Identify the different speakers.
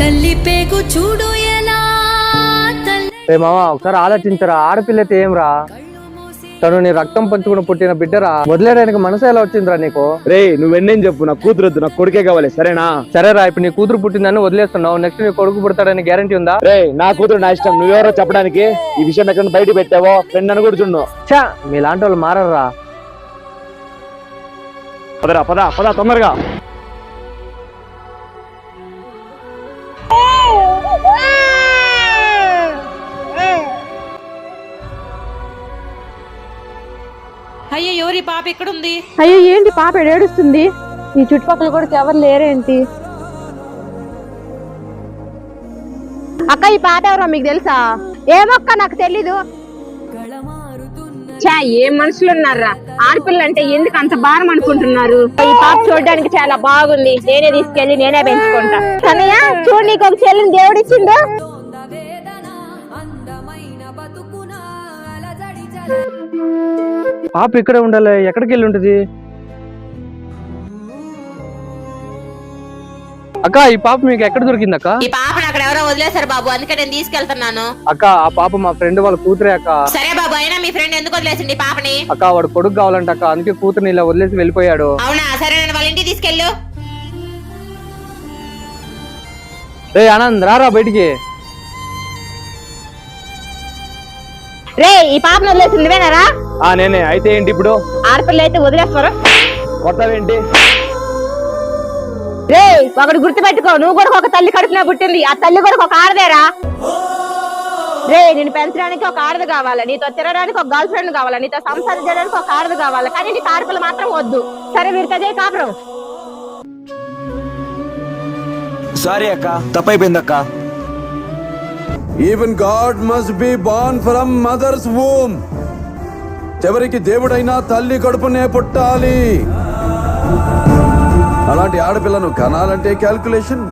Speaker 1: తల్లి పేగు చూడు ఎలా
Speaker 2: రే మామ ఒకసారి ఆలోచించరా, ఆడపిల్లతే ఏం రా, తను నీ రక్తం పంచుకుని పుట్టిన బిడ్డరా, వదిలేయడానికి మనసు ఎలా వచ్చిందిరా నీకు?
Speaker 3: రే నువ్వెన్నేం చెప్పు, నాకు కూతురు వద్దు, నాకు కొడుకే కావాలి, సరేనా?
Speaker 2: సరేరా, ఇప్పుడు నీ కూతురు పుట్టిందని వదిలేస్తున్నావు, నెక్స్ట్ నీ కొడుకు పుడతాడని గ్యారంటీ ఉందా?
Speaker 3: రే నా కూతురు నా ఇష్టం, నువ్వెవరో చెప్పడానికి? ఈ విషయం ఎక్కడ బయట పెట్టావో ఫ్రెండ్ అని కూడా చూడు.
Speaker 2: చా, మీలాంటి వాళ్ళు మారరా.
Speaker 3: పదరా పద పద తొందరగా.
Speaker 4: అయ్యో ఎవరి పాప ఎక్కడుంది?
Speaker 5: అయ్యో ఏంటి పాప ఏడుస్తుంది? ఈ చుట్టుపక్కల కూడా ఎవరు లేరేంటి? అక్క ఈ పాప ఎవరో మీకు తెలుసా? ఏమక్క నాకు తెలీదు. చా ఏం మనుషులు ఉన్నారా, ఆడపిల్ల అంటే ఎందుకు అంత భారం అనుకుంటున్నారు? ఈ పాప చూడడానికి చాలా బాగుంది, నేనే తీసుకెళ్లి నేనే పెంచుకుంటా. కన్నయ్య చూడు, నీకు ఒక చెల్లిని దేవుడిచ్చిండు.
Speaker 2: పాప ఇక్కడే ఉండాలి, ఎక్కడికి వెళ్ళి ఉంటుంది? అక్క ఈ పాప మీకు ఎక్కడ దొరికింది అక్క?
Speaker 4: ఈ పాపను అక్కడ ఎవరో వదిలేశారు బాబు, అందుకే నేను తీసుకెళ్తున్నాను.
Speaker 2: అక్క ఆ పాప మా ఫ్రెండ్ వాళ్ళ కూతురే అక్క.
Speaker 4: సరే బాబు, అయినా మీ ఫ్రెండ్ ఎందుకు వదిలేసింది పాపని?
Speaker 2: అక్క వాడు కొడుకు కావాలంట అక్క, అందుకే కూతురుని ఇలా వదిలేసి వెళ్ళిపోయాడు.
Speaker 4: అవునా, సరే నేను వాళ్ళ ఇంటికి తీసుకెళ్ళు.
Speaker 2: రే ఆనంద్ రారా బయటికి.
Speaker 5: రే ఈ పాపను వదిలేసింది నువ్వేనారా?
Speaker 3: నేనే. అయితే ఏంటి ఇప్పుడు?
Speaker 5: ఆడపిల్ల అయితే వదిలేస్తారా?
Speaker 3: కొత్తవేంటి?
Speaker 5: రే ఒకటి గుర్తు పెట్టుకో, నువ్వు కూడా ఒక తల్లి కడుపున పుట్టింది, ఆ తల్లి కూడా ఒక ఆడదేరా. రే నేను పెంచడానికి ఒక ఆడది కావాలి, నీతో తిరగడానికి ఒక గర్ల్ ఫ్రెండ్ కావాలి, నీతో సంసారం చేయడానికి ఒక ఆడది కావాలి, కానీ నీకు ఆడపిల్ల మాత్రం వద్దు. సరే వీరితో చేయి కాపురం.
Speaker 3: సారీ అక్క, తప్పైపోయింది అక్క.
Speaker 6: Even God must be born from mother's womb. చివరికి దేవుడైనా తల్లి కడుపునే పుట్టాలి. అలాంటి ఆడపిల్లను కనాలంటే క్యాల్కులేషన్